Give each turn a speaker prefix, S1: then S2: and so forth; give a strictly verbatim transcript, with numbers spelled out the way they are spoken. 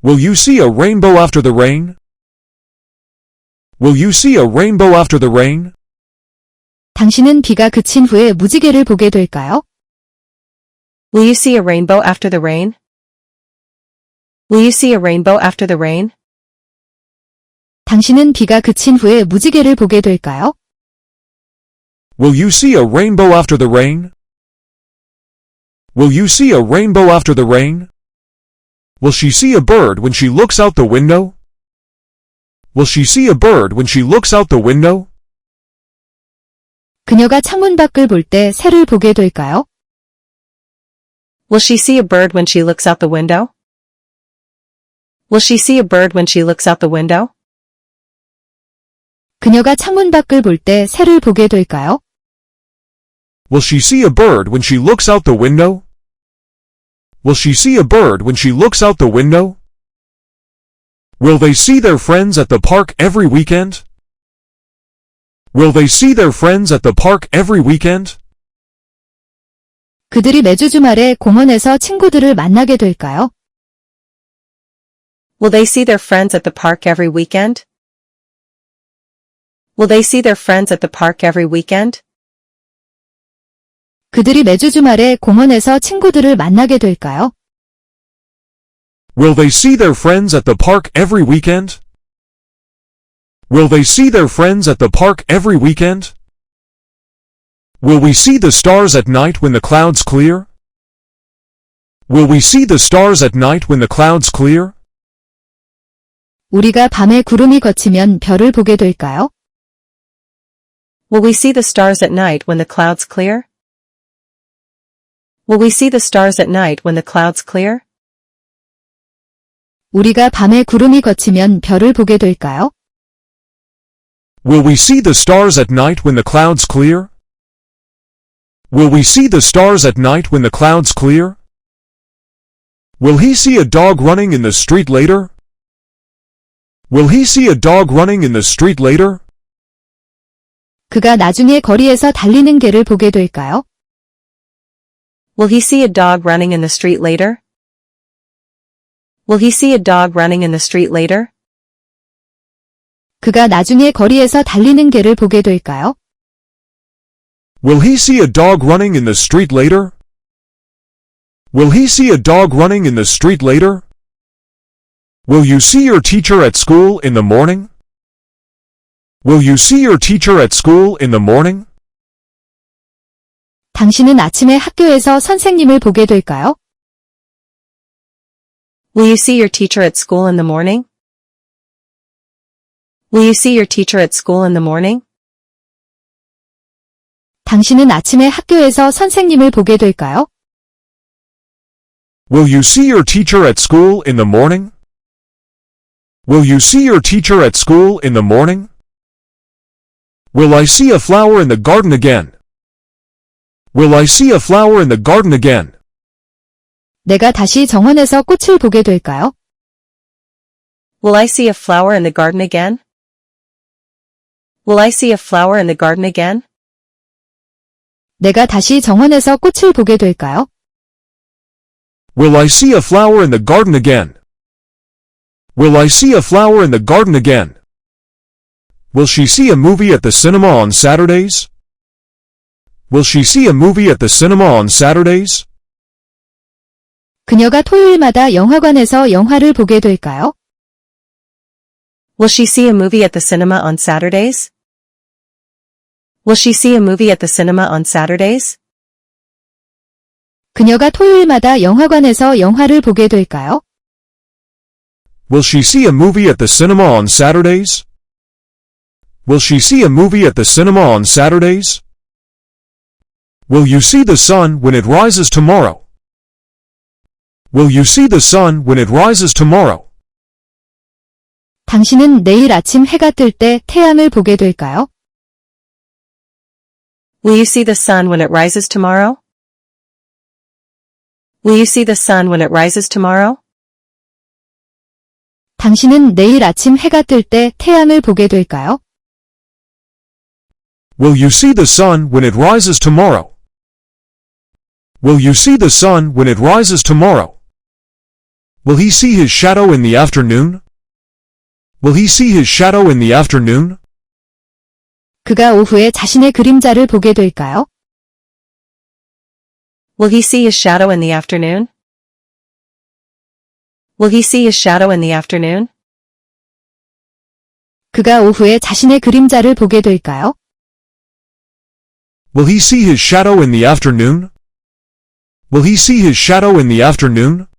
S1: Will you see a rainbow after the rain? Will you see a rainbow after the rain?
S2: 당신은 비가 그친 후에 무지개를 보게 될까요?
S3: Will you see a rainbow after the rain? Will you see a rainbow after the rain?
S2: 당신은 비가 그친 후에 무지개를 보게 될까요?
S1: Will you see a rainbow after the rain? Will you see a rainbow after the rain? Will she see a bird when she looks out the window? Will she see a bird when she looks out the window?
S2: 그녀가 창문 밖을 볼 때 새를 보게 될까요?
S3: Will she see a bird when she looks out the window? Will she see a bird when she looks out the window?
S2: 그녀가 창문 밖을 볼 때 새를 보게 될까요?
S1: Will she see a bird when she looks out the window? Will she see a bird when she looks out the window? Will they see their friends at the park every weekend? Will they see their friends at the park every weekend?
S2: 그들이 매주 주말에 공원에서 친구들을 만나게 될까요?
S3: Will they see their friends at the park every weekend? Will they see their friends at the park every weekend?
S2: 그들이 매주 주말에 공원에서 친구들을 만나게 될까요?
S1: Will they see their friends at the park every weekend? Will they see their friends at the park every weekend? Will we see the stars at night when the clouds clear? Will we see the stars at night when the clouds clear?
S2: 우리가 밤에 구름이 걷히면 별을 보게 될까요?
S3: Will we see the stars at night when the clouds clear? Will we see the stars at night when the clouds clear?
S2: 우리가 밤에 구름이 걷히면 별을 보게 될까요?
S1: Will we see the stars at night when the clouds clear? Will we see the stars at night when the clouds clear? Will he see a dog running in the street later? Will he see a dog running in the street later?
S2: 그가 나중에 거리에서 달리는 개를 보게 될까요?
S3: Will he see a dog running in the street later? Will he see a dog running in the street later?
S2: 그가 나중에 거리에서 달리는 개를 보게 될까요?
S1: Will he see a dog running in the street later? Will he see a dog running in the street later? Will you see your teacher at school in the morning? Will you see your teacher at school in the morning?
S2: 당신은 아침에 학교에서 선생님을 보게 될까요?
S3: Will you see your teacher at school in the morning? Will you see your teacher at school in the morning?
S2: 당신은 아침에 학교에서 선생님을 보게 될까요?
S1: Will you see your teacher at school in the morning? Will you see your teacher at school in the morning? Will I see a flower in the garden again? Will I see a flower in the garden again?
S2: 내가 다시 정원에서 꽃을 보게 될까요?
S3: Will I see a flower in the garden again? Will I see a flower in the garden again?
S2: 내가 다시 정원에서 꽃을 보게 될까요?
S1: Will I see a flower in the garden again? Will I see a flower in the garden again? Will she see a movie at the cinema on Saturdays? Will she see a movie at the cinema on Saturdays?
S2: 그녀가 토요일마다 영화관에서 영화를 보게 될까요?
S3: Will she see a movie at the cinema on Saturdays? Will she see a movie at the cinema on Saturdays?
S2: 그녀가 토요일마다 영화관에서 영화를 보게 될까요?
S1: Will she see a movie at the cinema on Saturdays? Will she see a movie at the cinema on Saturdays? Will you see the sun when it rises tomorrow? Will you see the sun when it rises tomorrow?
S2: 당신은 내일 아침 해가 뜰 때 태양을 보게 될까요?
S3: Will you see the sun when it rises tomorrow? Will you see the sun when it rises tomorrow?
S2: 당신은 내일 아침 해가 뜰 때 태양을 보게 될까요?
S1: Will you see the sun when it rises tomorrow? Will you see the sun when it rises tomorrow? Will he see his shadow in the afternoon? Will he see his shadow in the afternoon?
S2: 그가 오후에 자신의 그림자를 보게 될까요?
S3: Will he see his shadow in the afternoon? Will he see his shadow in the afternoon?
S2: 그가 오후에 자신의 그림자를 보게 될까요?
S1: Will he see his shadow in the afternoon? Will he see his shadow in the afternoon?